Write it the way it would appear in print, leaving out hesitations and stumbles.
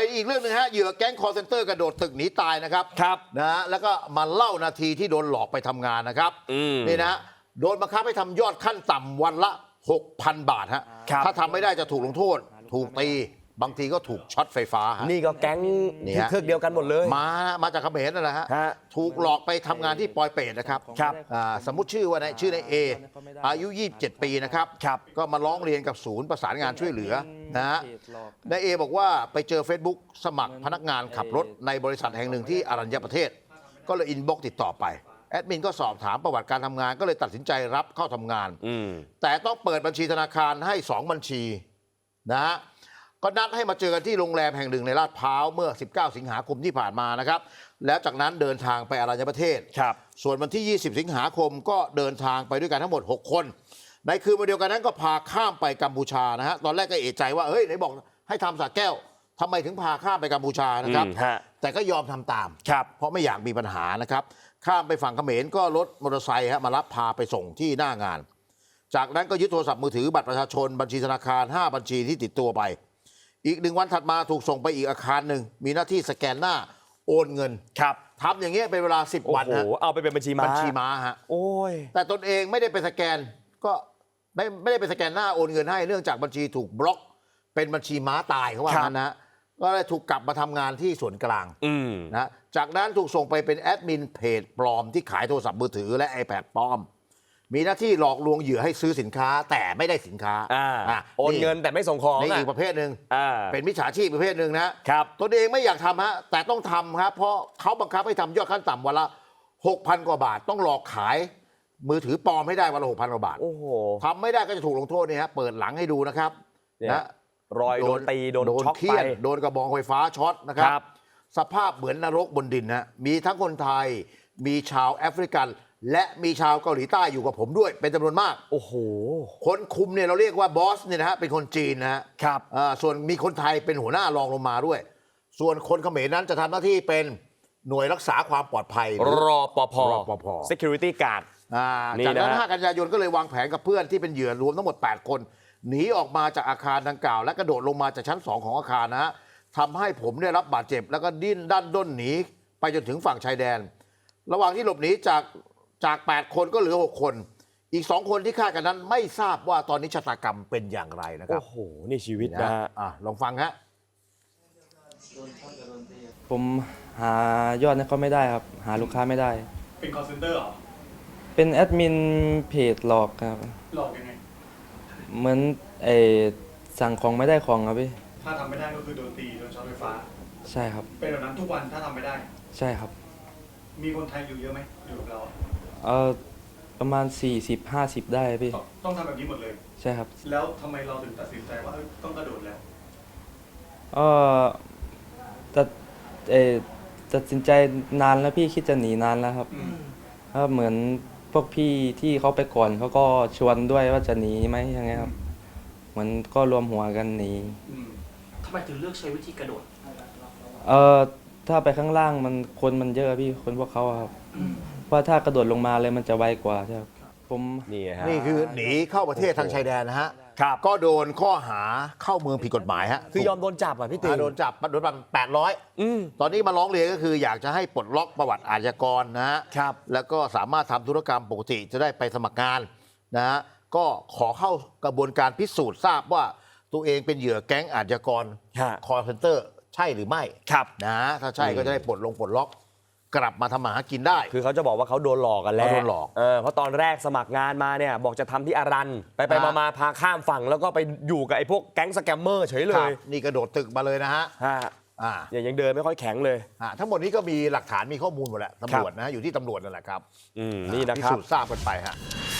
อีกเรื่องหนึงฮะเหยื่อแก๊งคอร์เซนเตอร์กระโดดตึกหนีตายนะครับครับนะฮะแล้วก็มาเล่านาทีที่โดนหลอกไปทำงานนะครับนี่นะโดนบังคับให้ทำยอดขั้นต่ำวันละ 6,000 บาทฮะถ้าทำไม่ได้จะถูกลงโทษถูกตีบางทีก็ถูกช็อตไฟฟ้าฮะนี่ก็แก๊งเครือเดียวกันหมดเลยมาจากเขมรนั่นแหละฮะถูกหลอกไปทำงานที่ปอยเปตนะครับสมมุติชื่อว่าชื่อในเออายุ 27 ปีนะครับก็มาร้องเรียนกับศูนย์ประสานงานช่วยเหลือนะฮะนายเอบอกว่าไปเจอ Facebook สมัครพนักงานขับรถในบริษัทแห่งหนึ่งที่อรัญญประเทศก็เลยอินบ็อกซ์ติดต่อไปแอดมินก็สอบถามประวัติการทำงานก็เลยตัดสินใจรับเข้าทำงานแต่ต้องเปิดบัญชีธนาคารให้2บัญชีนะฮะก็นัดให้มาเจอกันที่โรงแรมแห่งหนึ่งในลาดพร้าวเมื่อ 19 สิงหาคมที่ผ่านมานะครับแล้วจากนั้นเดินทางไปอรัญญประเทศส่วนวันที่ 20 สิงหาคมก็เดินทางไปด้วยกันทั้งหมด 6 คนในคืนวันเดียวกันนั้นก็พาข้ามไปกัมพูชานะฮะตอนแรกก็เอะใจว่าเฮ้ยไหนบอกให้ทำสระแก้วทำไมถึงพาข้ามไปกัมพูชานะครับแต่ก็ยอมทำตามเพราะไม่อยากมีปัญหานะครับข้ามไปฝั่งเขมรก็รถมอเตอร์ไซค์มารับพาไปส่งที่หน้างานจากนั้นก็ยึดโทรศัพท์มือถือบัตรประชาชนบัญชีธนาคาร5บัญชีที่ติดตัวไปอีก1 วันถัดมาถูกส่งไปอีกอาคารหนึ่งมีหน้าที่สแกนหน้าโอนเงินทำอย่างเงี้ยเป็นเวลา10 วันฮะเอาไปเป็นบัญชีม้าฮะโอ้ยแต่ตนเองไม่ได้ไปสแกนก็ไม่ได้ไปสแกนหน้าโอนเงินให้เนื่องจากบัญชีถูกบล็อกเป็นบัญชีม้าตายเขาว่างั้นนะก็เลยถูกกลับมาทำงานที่ส่วนกลางนะจากนั้นถูกส่งไปเป็นแอดมินเพจปลอมที่ขายโทรศัพท์มือถือและ iPad ปลอมมีหน้าที่หลอกลวงเหยื่อให้ซื้อสินค้าแต่ไม่ได้สินค้าโอนเงินแต่ไม่ส่งของนี่อีกประเภทหนึ่งเป็นมิจฉาชีพประเภทหนึ่งนะครับตนเองไม่อยากทำฮะแต่ต้องทำครับเพราะเขาบังคับให้ทำยอดขั้นต่ำวันละ 6,000 กว่าบาทต้องหลอกขายมือถือปลอมให้ได้วันละ 6,000 กว่าบาททำไม่ได้ก็จะถูกลงโทษนี่ฮะเปิดหลังให้ดูนะครับนะรอยโดนตีโดนช็อกไปโดนกระบองไฟฟ้าช็อตนะครับสภาพเหมือนนรกบนดินนะมีทั้งคนไทยมีชาวแอฟริกันและมีชาวเกาหลีใต้อยู่กับผมด้วยเป็นจำนวนมากโอ้โหคนคุมเนี่ยเราเรียกว่าบอสเนี่ยนะฮะเป็นคนจีนนะฮะส่วนมีคนไทยเป็นหัวหน้ารองลงมาด้วยส่วนคนเขมรนั้นจะทำหน้าที่เป็นหน่วยรักษาความปลอดภัยรปภ security guard จากนั้น5 กันยายนก็เลยวางแผนกับเพื่อนที่เป็นเหยื่อรวมทั้งหมด8 คนหนีออกมาจากอาคารดังกล่าวและกระโดดลงมาจากชั้น2ของอาคารนะฮะทำให้ผมได้รับบาดเจ็บแล้วก็ดิ้นด้านด้นหนีไปจนถึงฝั่งชายแดนระหว่างที่หลบหนีจาก8 คนก็เหลือ6 คนอีก2 คนที่ฆ่ากันนั้นไม่ทราบว่าตอนนี้ชะตากรรมเป็นอย่างไรนะครับโอ้โหนี่ชีวิตนะลองฟังฮะผมหายอดเนี่ยเขาไม่ได้ครับหาลูกค้าไม่ได้เป็นคอลเซ็นเตอร์เหรอเป็นแอดมินเพจหลอกครับหลอกยังไงเหมือนสั่งของไม่ได้ของครับพี่ถ้าทำไม่ได้ก็คือโดนตีโดนช็อตไฟฟ้าใช่ครับเป็นแบบนั้นทุกวันถ้าทำไม่ได้ใช่ครับมีคนไทยอยู่เยอะไหมอยู่กับเราประมาณ40-50ได้พี่ต้องทำแบบนี้หมดเลยใช่ครับแล้วทำไมเราถึงตัดสินใจว่าต้องกระโดดแล้วตัดสินใจนานแล้วพี่คิดจะหนีนานแล้วครับเหมือนพวกพี่ที่เขาไปก่อนเขาก็ชวนด้วยว่าจะหนีไหมยังไงครับเหมือนก็รวมหัวกันหนีทำไมถึงเลือกใช้วิธีกระโดดถ้าไปข้างล่างคนเยอะพี่คนพวกเขาครับเพราะถ้ากระโดดลงมาเลยมันจะไวกว่าใช่ครับผมนี่คือหนีเข้าประเทศทางชายแดนนะฮะก็โดนข้อหาเข้าเมืองผิดกฎหมายฮะคือยอมโดนจับอ่ะพี่ตีโดนจับโดนปรับ800ตอนนี้มาร้องเรียนก็คืออยากจะให้ปลดล็อกประวัติอาชญากรนะฮะแล้วก็สามารถทำธุรกรรมปกติจะได้ไปสมัครงานนะฮะก็ขอเข้ากระบวนการพิสูจน์ทราบว่าตัวเองเป็นเหยื่อแก๊งอาชญากรคอลเซ็นเตอร์ใช่หรือไม่นะถ้าใช่ก็จะได้ปลดล็อกกลับมาทำมาหากินได้คือเขาจะบอกว่าเขาโดนหลอกกันแล้วโดนหลอกเพราะตอนแรกสมัครงานมาเนี่ยบอกจะทำที่อารันไปมาพาข้ามฝั่งแล้วก็ไปอยู่กับไอ้พวกแก๊งสแกมเมอร์เฉยเลยนี่กระโดดตึกมาเลยนะฮะยังเดินไม่ค่อยแข็งเลยทั้งหมดนี้ก็มีหลักฐานมีข้อมูลหมดแหละตำรวจนะอยู่ที่ตำรวจนั่นแหละครับนี่นะครับพิสูจน์ทราบกันไปฮะ